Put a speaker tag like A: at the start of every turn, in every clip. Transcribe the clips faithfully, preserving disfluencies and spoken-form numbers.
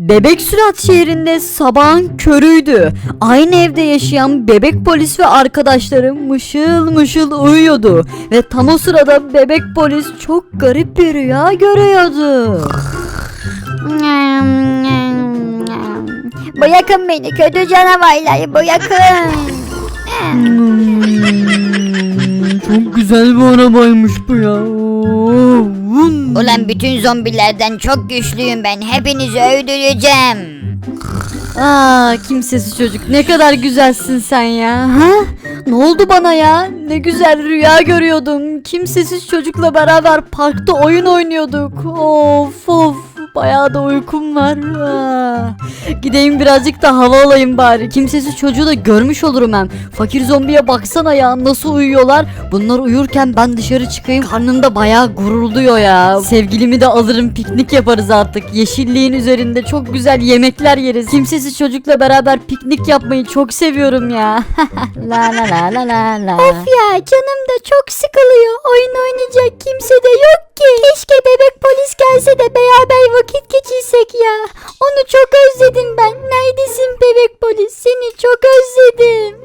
A: Bebek Sürat şehrinde sabahın körüydü. Aynı evde yaşayan bebek polis ve arkadaşları mışıl mışıl uyuyordu. Ve tam o sırada bebek polis çok garip bir rüya görüyordu.
B: Bırakın beni kötü canavarlar, bırakın.
A: Hmm, çok güzel bir arabaymış bu ya. Oo, vın.
B: Ulan bütün zombilerden çok güçlüyüm ben. Hepinizi öldüreceğim.
A: Aa, kimsesiz çocuk, ne kadar güzelsin sen ya. Ha? Ne oldu bana ya? Ne güzel rüya görüyordum. Kimsesiz çocukla beraber parkta oyun oynuyorduk. Of of. Bayağı da uykum var. Aa. Gideyim birazcık da hava alayım bari. Kimsesiz çocuğu da görmüş olurum hem. Fakir zombiye baksana ya, nasıl uyuyorlar. Bunlar uyurken ben dışarı çıkayım. Karnım da bayağı gururluyor ya. Sevgilimi de alırım, piknik yaparız artık. Yeşilliğin üzerinde çok güzel yemekler yeriz. Kimsesiz çocukla beraber piknik yapmayı çok seviyorum ya. La la la la la la.
B: Of ya, canım da çok sıkılıyor. Oyun oynayacak kimse de yok ki. Keşke bebek polis gelse de beraber vakit geçirsek ya. Onu çok özledim ben. Neredesin bebek polis? Seni çok özledim.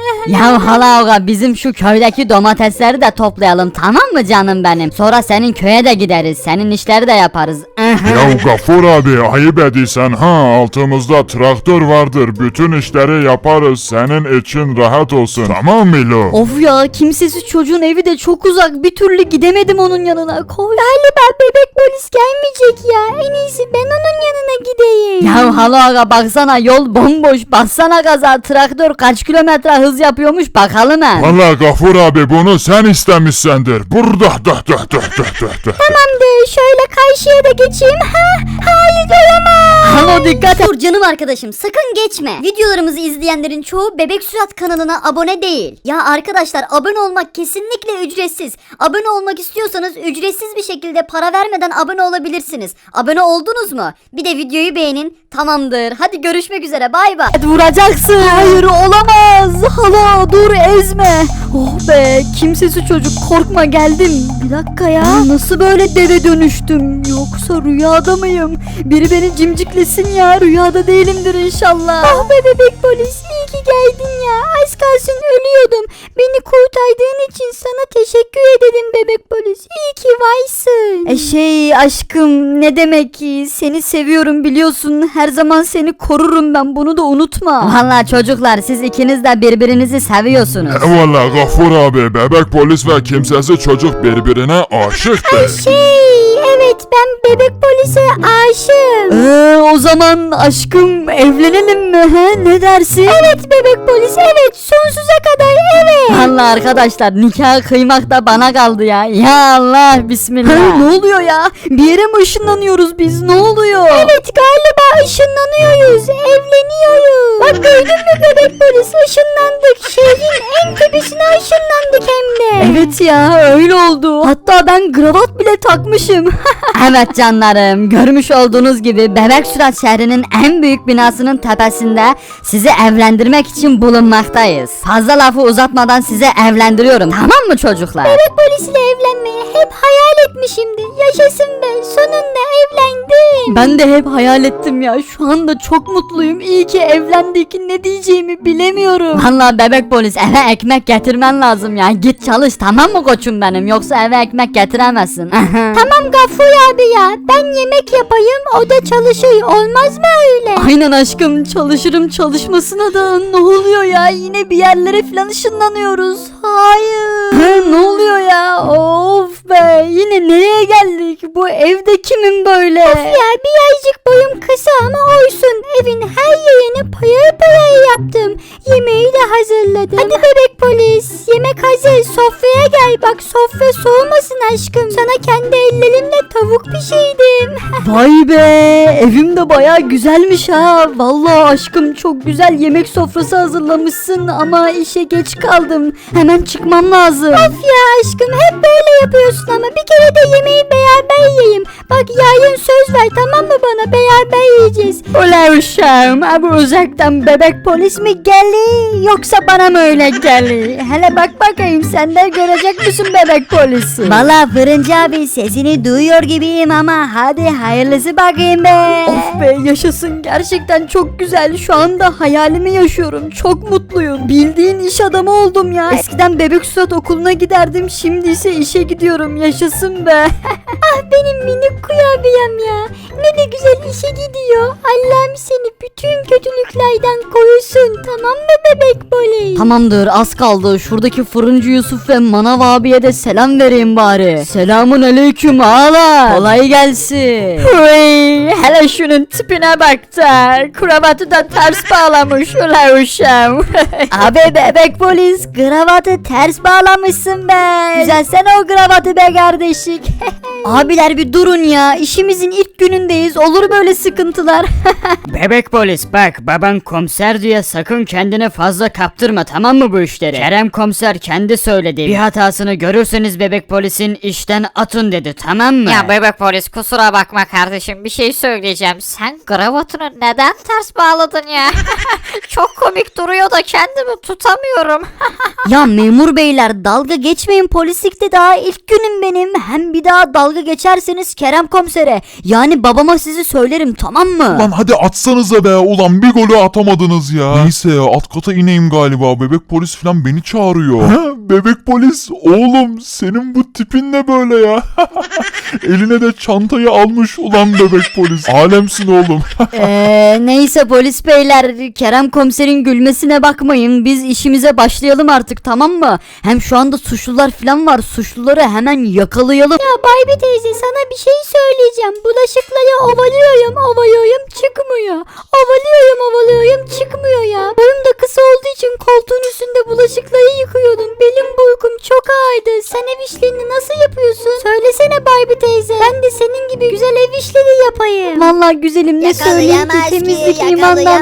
A: Ya hala oga, bizim şu köydeki domatesleri de toplayalım, tamam mı canım benim? Sonra senin köye de gideriz. Senin işleri de yaparız.
C: Ya Gafur abi, ayıp ediysen ha, altımızda traktör vardır, bütün işleri yaparız, senin için rahat olsun, tamam mı lo?
A: Of ya, kimsesiz çocuğun evi de çok uzak, bir türlü gidemedim onun yanına. Koy.
B: Galiba bebek polis gelmeyecek ya. En iyisi ben onun yanına gideyim.
A: Ya hala aga, baksana yol bomboş, bassana gaza, traktör kaç kilometre hız yapıyormuş bakalım he.
C: Valla Gafur abi, bunu sen istemişsendir, burada da da da da da da.
B: Tamamdır, şöyle karşıya da geçeyim. Ha, hayır olamaz.
A: Hala dikkat et.
D: Dur canım arkadaşım, sakın geçme. Videolarımızı izleyenlerin çoğu Bebek Sürat kanalına abone değil. Ya arkadaşlar, abone olmak kesinlikle ücretsiz. Abone olmak istiyorsanız ücretsiz bir şekilde para vermeden abone olabilirsiniz. Abone oldunuz mu? Bir de videoyu beğenin. Tamamdır. Hadi görüşmek üzere. Bay bay.
A: Vuracaksın. Hayır, olamaz. Hala dur, ezme. Oh be, kimsesiz çocuk, korkma, geldim. Bir dakika ya, nasıl böyle deve dönüştüm? Yoksa rüyada mıyım? Biri beni cimciklesin ya, rüyada değilimdir inşallah.
B: Ah be bebek polis, iyi ki geldin ya. Az kalsın ölüyordum. Beni kurtardığın için sana teşekkür ederim bebek polis. İyi ki varsın.
A: E şey aşkım, ne demek ki, seni seviyorum biliyorsun, her zaman seni korurum ben, bunu da unutma. Vallahi çocuklar, siz ikiniz de birbirinizi seviyorsunuz.
C: Valla Gafur abi, bebek polis ve kimsesiz çocuk birbirine aşıktır.
B: Şey, evet ben bebek polise aşığım.
A: Ee, o zaman aşkım evlenelim mi, he? Ne dersin?
B: Evet bebek polis, evet sonsuza kadar evet.
A: Allah arkadaşlar, nikah kıymak da bana kaldı ya. Ya Allah, bismillah. Ha, ne oluyor ya? Bir yere mi ışınlanıyoruz biz? Ne oluyor?
B: Evet galiba ışınlanıyoruz, evleniyoruz. Bak gördün mü bebek polis, ışınlandık. Şehrin en tepesine ışınlandık hem de.
A: Evet ya, öyle oldu. Hatta ben kravat bile takmışım. Evet canlarım, görmüş olduğunuz gibi Bebek Sürat şehrinin en büyük binasının tepesinde sizi evlendirmek için bulunmaktayız. Fazla lafı uzatmadan size evlendiriyorum, tamam mı çocuklar?
B: Bebek polisle evlenmeyi hep hayal etmişimdir. Yaşasın be, sonunda evlendim.
A: Ben de hep hayal ettim ya, şu anda çok mutluyum. İyi ki evlendik, ne diyeceğimi bilemiyorum. Vallahi bebek polis, eve ekmek getirmen lazım ya. Git çalış, tamam mı koçum benim, yoksa eve ekmek getiremezsin.
B: Tamam Gafur abi ya, ben yemek yapayım, o da çalışır, olmaz mı öyle?
A: Aynen aşkım, çalışırım, çalışmasına da. Ne oluyor ya, yine bir yerlere falan ışınlanıyoruz. Hayır. Ne oluyor ya, of be, yine nereye geldik? Bu evde kimin böyle?
B: Ya birazcık boyum kısa ama olsun, evin her yerini payır payır yaptım. Yemeği de hazırladım. Hadi bebek polis, yemek hazır, sofraya gel, bak sofra soğumasın aşkım. Sana kendi ellerimle tavuk pişirdim.
A: Vay be, evim de baya güzelmiş ha. Vallahi aşkım, çok güzel yemek sofrası hazırlamışsın ama işe geç kaldım. Hemen çıkmam lazım.
B: Of ya aşkım, hep böyle yapıyorsun ama bir kere de yemeği beraber yiyeyim. Bak yarın söz ver, tamam mı bana, beraber yiyeceğiz.
A: Oley uşağım. Ha, bu uzaktan bebek polis mi geldi yoksa bana mı öyle geldi? Hele bak bakayım sen de görecek misin bebek polisi?
B: Valla Fırıncı abi sesini duyuyor gibiyim ama hadi hayırlısı bakayım be.
A: Of be yaşasın, gerçekten çok güzel. Şu anda hayalimi yaşıyorum. Çok mutluyum. Bildiğin iş adamı oldum ya. Eskiden bebek suat okuluna giderdim. Şimdi ise işe gidiyorum. Yaşasın be.
B: Ah benim minik kurabiyem ya. Ne de güzel işe gidiyor. Allah'ım seni bütün kötülüklerden korusun. Tamam mı bebek polis?
A: Tamamdır, az kaldı. Şuradaki fırıncı Yusuf ve manav abiye de selam vereyim bari. Selamun aleyküm ağalar. Kolay gelsin. Hıy, hele şunun tipine bak da. Kravatı da ters bağlamış ula uşağım.
B: Abi bebek polis kravatı ters bağlamışsın be. Güzel sen o kravatı be kardeşik.
A: Abiler bir durun ya. İşimizin ilk günündeyiz. Olur böyle sıkıntılar.
E: Bebek polis bak, baban komiser diye sakın kendine fazla kaptırma, tamam mı bu işleri? Kerem komiser kendi söyledi. Bir hatasını görürseniz bebek polisin işten atın dedi, tamam mı?
F: Ya bebek polis kusura bakma kardeşim, bir şey söyleyeceğim. Sen kravatını neden ters bağladın ya? Çok komik duruyor da kendimi tutamıyorum.
A: Ya memur beyler, dalga geçmeyin, polislikte daha ilk günüm benim. Hem bir daha dalga geçerseniz Kerem komisere, yani babama sizi söylerim, tamam mı?
C: Lan hadi atsanıza be ulan, bir golü atamadınız ya. Neyse ya, alt kata ineyim galiba, bebek polis falan beni çağırıyor. Bebek polis oğlum, senin bu tipin ne böyle ya? Eline de çantayı almış ulan bebek polis. Alemsin oğlum.
A: Eee neyse polis beyler, Kerem komiserin gülmesine bakmayın, biz işimize başlayalım artık, tamam mı? Hem şu anda suçlular falan var, suçluları hemen yakalayalım.
B: Ya Barbie teyze sana bir şey söyleyeceğim. Bulaşıkları ovalıyorum ovalıyorum çıkmıyor. Ovalıyorum ovalıyorum çıkmıyor ya. Boyum da kısa olduğu için koltuğun üstünde bulaşıkları yıkıyordum. Belim boykum çok ağırdı. Sen ev işlerini nasıl yapıyorsun? Söylesene Barbie teyze. Ben de senin gibi güzel ev işleri yapayım.
A: Vallahi güzelim, ne söyleyeyim ki, temizlik imandan.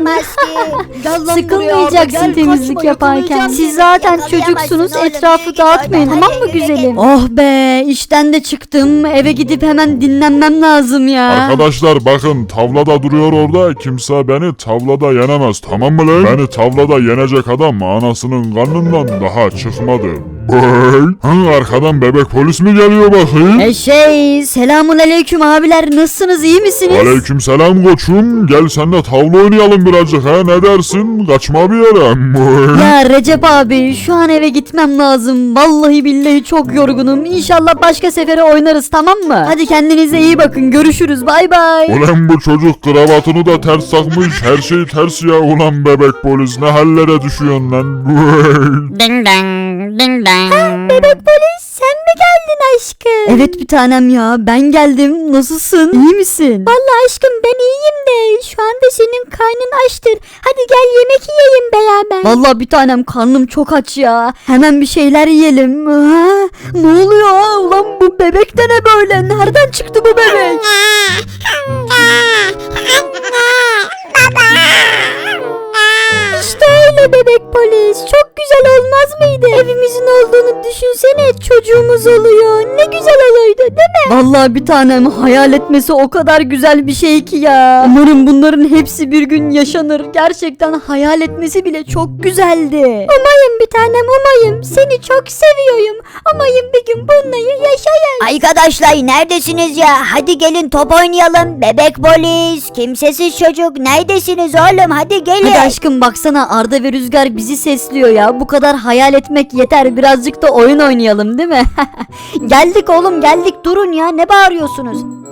A: Sıkılmayacaksın temizlik yaparken. Siz zaten çocuksunuz, etrafı dağıtmayın, tamam mı güzelim? Oh be, işten de çıktım, eve gidip hemen dinlenmem lazım ya.
C: Arkadaşlar bakın, tavlada duruyor orada, kimse beni tavlada yenemez, tamam mı lan? Beni tavlada yenecek adam anasının karnından daha çıkmadı. Bey, hı, arkadan bebek polis mi geliyor bakayım?
A: E şey, selamun aleyküm abiler, nasılsınız, iyi misiniz?
C: Aleykümselam koçum, gel senle tavla oynayalım birazcık ha, ne dersin? Kaçma bir yere. Bey.
A: Ya Recep abi, şu an eve gitmem lazım. Vallahi billahi çok yorgunum. İnşallah başka sefere oynarız, tamam mı? Hadi kendinize iyi bakın. Görüşürüz. Bay bay.
C: Ulan bu çocuk kravatını da ters takmış, her şey ters ya ulan bebek polis, ne hallere düşüyorsun lan? Bey.
F: Ding dong, ding dong.
B: Bebek polis sen mi geldin aşkım?
A: Evet bir tanem ya, ben geldim. Nasılsın? İyi misin?
B: Vallahi aşkım ben iyiyim de şu anda senin karnın açtır. Hadi gel yemek yiyelim beraber.
A: Vallahi bir tanem, karnım çok aç ya. Hemen bir şeyler yiyelim. Ha? Ne oluyor? Ulan bu bebek de ne böyle? Nereden çıktı bu bebek?
B: İşte öyle bebek polis. Çok güzel olmaz mıydı? Evimizin olduğunu düşünsene. Çocuğumuz oluyor. Ne güzel olurdu değil mi?
A: Vallahi bir tanem, hayal etmesi o kadar güzel bir şey ki ya. Umarım bunların hepsi bir gün yaşanır. Gerçekten hayal etmesi bile çok güzeldi.
B: Umayım bir tanem umayım. Seni çok seviyorum. Umayım bir gün bunları yaşayın. Arkadaşlar neredesiniz ya? Hadi gelin top oynayalım. Bebek polis, kimsesiz çocuk neredesiniz oğlum? Hadi gelin.
A: Hadi aşkım, baksana Arda ve Rüzgar bizi sesliyor ya. Bu kadar hayal etmek yeter. Birazcık da oyun oynayalım değil mi? Geldik oğlum, geldik. Durun ya, ne bağırıyorsunuz?